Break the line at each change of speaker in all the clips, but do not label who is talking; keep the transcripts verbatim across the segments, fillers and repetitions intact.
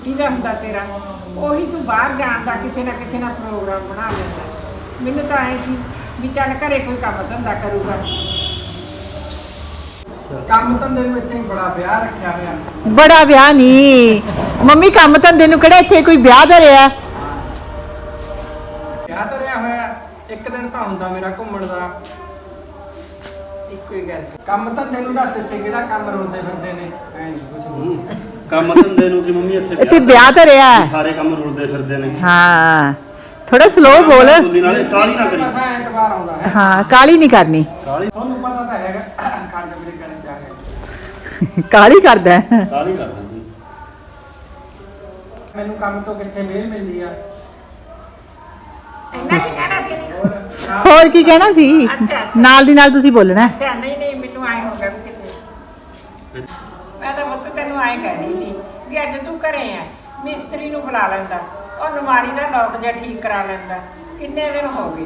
ਕੀ ਦਾ ਹੁੰਦਾ ਤੇਰਾ ਉਹੀ ਤੂੰ ਬਾਹਰ ਜਾਣ ਦਾ ਕਿਸੇ ਨਾ ਕਿਸੇ ਨਾਲ ਪ੍ਰੋਗਰਾਮ ਬਣਾ ਲੈਂਦਾ। ਮੈਨੂੰ ਤਾਂ ਐਂ ਸੀ ਵੀ ਚੱਲ ਘਰੇ ਕੋਈ ਕੰਮ ਧੰਦਾ ਕਰੂਗਾ।
ਕੰਮ ਧੰਦੇ ਨੂੰ ਇੱਥੇ ਬੜਾ ਵਿਆਹ ਰੱਖਿਆ ਹੋਇਆ।
ਬੜਾ ਵਿਆਹ ਨਹੀਂ ਮੰਮੀ, ਕੰਮ ਧੰਦੇ ਨੂੰ ਕਿਹੜਾ ਇੱਥੇ ਕੋਈ ਵਿਆਹ ਧਰਿਆ।
ਵਿਆਹ ਧਰਿਆ ਹੋਇਆ ਇੱਕ ਦਿਨ ਤਾਂ ਹੁੰਦਾ ਮੇਰਾ ਘੁੰਮਣ ਦਾ।
ਇੱਕੋ ਹੀ ਗੱਲ
ਕੰਮ ਧੰਦੇ ਨੂੰ ਦੱਸ ਇੱਥੇ ਕਿਹੜਾ ਕੰਮ ਰੋਲਦੇ ਫਿਰਦੇ ਨੇ। ਐ ਨਹੀਂ ਕੁਝ ਨਹੀਂ
ਕੰਮ ਧੰਦੇ ਨੂੰ ਕਿ ਮੰਮੀ ਇੱਥੇ
ਇੱਥੇ ਵਿਆਹ ਧਰਿਆ।
ਸਾਰੇ ਕੰਮ ਰੁਲਦੇ ਫਿਰਦੇ ਨੇ।
ਹਾਂ ਥੋੜਾ ਸਲੋ ਬੋਲ।
ਨਾਲੇ ਕਾਲੀ ਨਾ ਕਰੀ।
ਮਸਾਂ ਐਤਵਾਰ ਆਉਂਦਾ ਹੈ।
ਹਾਂ ਕਾਲੀ ਨਹੀਂ ਕਰਨੀ।
ਕਾਲੀ
ਤੁਹਾਨੂੰ ਪਤਾ ਤਾਂ ਹੈਗਾ ਖਾਣ ਮੇਰੇ ਕਰਨ ਜਾ ਕੇ
ਕਾਲੀ ਕਰਦਾ ਹੈ।
ਕਾਲੀ ਕਰਦਾ ਤੂੰ।
ਮੈਨੂੰ ਕੰਮ ਤੋਂ ਕਿੱਥੇ ਮਿਹਰ ਮਿਲਦੀ ਆ।
ਇੰਨਾ ਕੀ ਕਹਿਣਾ ਸੀ
ਹੋਰ ਨਾਲ
ਹੋਰ ਕੀ ਕਹਿਣਾ ਸੀ?
ਅੱਛਾ, ਅੱਛਾ।
ਨਾਲ ਦੀ ਨਾਲ ਤੁਸੀਂ ਬੋਲਣਾ।
ਅੱਛਾ ਨਹੀਂ ਨਹੀਂ ਮੈਨੂੰ ਆਏ ਹੋ ਗਿਆ ਵੀ ਕਿਤੇ ਮੈਂ ਤਾਂ ਮੁੱਤ ਤੈਨੂੰ ਆਏ ਕਹਿ ਰਹੀ ਸੀ ਵੀ ਅੱਜ ਤੂੰ ਘਰੇ ਆ ਮਿਸਤਰੀ ਨੂੰ ਬੁਲਾ ਲੈਂਦਾ ਉਹ ਨਮਾਰੀ ਦਾ ਲੋਕ ਜਿਹਾ ਠੀਕ ਕਰਾ ਲੈਂਦਾ। ਕਿੰਨੇ ਦਿਨ ਹੋ ਗਏ।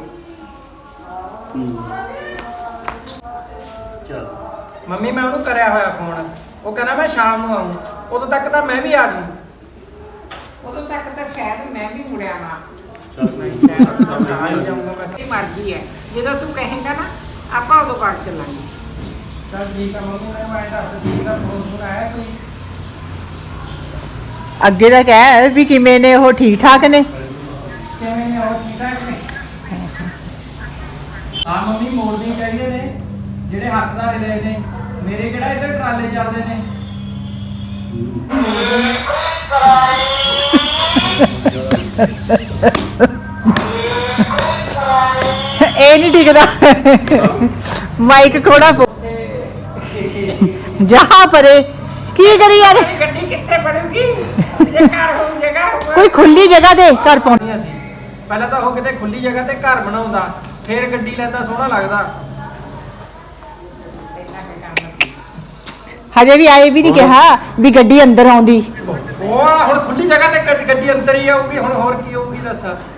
ਚੱਲ
ਮੰਮੀ ਮੈਂ ਉਹਨੂੰ ਕਰਿਆ ਹੋਇਆ ਫੋਨ। ਉਹ ਕਹਿੰਦਾ ਮੈਂ ਸ਼ਾਮ ਨੂੰ ਆਉਂ। ਉਦੋਂ ਤੱਕ ਤਾਂ ਮੈਂ ਵੀ ਆ ਜੂ।
ਉਦੋਂ ਤੱਕ ਤਾਂ ਸ਼ਾਇਦ ਮੈਂ ਵੀ ਮੁੜਿਆ ਨਾ।
ਚੱਲ
ਨਹੀਂ ਸ਼ਾਇਦ ਤਾਂ ਆ ਹੀ ਜਾਊਂਗਾ ਮੈਂ।
ਇਹ ਮਰਜ਼ੀ ਹੈ ਜਦੋਂ ਤੂੰ ਕਹੇਂਗਾ ਨਾ ਆਪਾਂ ਉਦੋਂ ਬਾਅਦ ਚੱਲਾਂਗੇ।
ਚੱਲ ਠੀਕ ਆ ਮੰਮੀ ਨੇ ਮੈਂ ਦੱਸ ਦੀ ਦਾ ਫੋਨ ਫੋਨ ਆਇਆ ਕੋਈ।
ਅੱਗੇ ਦਾ ਕਹਿ ਵੀ ਕਿਵੇਂ ਨੇ ਉਹ ਠੀਕ ਠਾਕ ਨੇ।
ਕਿਵੇਂ ਨੇ ਉਹ ਠੀਕ ਠਾਕ ਨੇ। ਹਾਂ ਮੰਮੀ ਮੋੜਦੇ ਚਾਹੀਦੇ ਨੇ ਜਿਹੜੇ ਹੱਥਦਾਰ ਲਏ ਨੇ। ਮੇਰੇ ਕਿਹੜਾ ਇੱਧਰ ਟਰਾਲੇ ਚੱਲਦੇ ਨੇ।
ਇਹ ਨਹੀਂ ਟਿਕਦਾ। ਮਾਈਕ ਖੋੜਾ ਜਾ ਪਰੇ ਕੀ ਕਰੀ ਯਾਰ।
ਗੱਡੀ ਕਿੱਥੇ ਬਣੂਗੀ ਜੇ ਘਰ ਹੋਊ ਜਗ੍ਹਾ ਹੋਊ।
ਕੋਈ ਖੁੱਲੀ ਜਗ੍ਹਾ ਤੇ ਘਰ ਪਾਉਣੀ।
ਨਹੀਂ ਅਸੀਂ ਪਹਿਲਾਂ ਤਾਂ ਉਹ ਕਿਤੇ ਖੁੱਲੀ ਜਗ੍ਹਾ ਤੇ ਘਰ ਬਣਾਉਂਦਾ ਫੇਰ ਗੱਡੀ ਲੈਂਦਾ ਸੋਹਣਾ ਲੱਗਦਾ।
ਇੰਨਾ ਕੁ ਕੰਮ
ਹਜੇ ਵੀ ਆਏ ਵੀ ਨਹੀਂ ਕਿਹਾ ਵੀ ਗੱਡੀ ਅੰਦਰ ਆਉਂਦੀ।
ਉਹ ਹੁਣ ਖੁੱਲੀ ਜਗ੍ਹਾ ਤੇ ਗੱਡੀ ਅੰਦਰ ਹੀ ਆਊਗੀ। ਹੁਣ ਹੋਰ ਕੀ ਹੋਊਗੀ ਦੱਸ।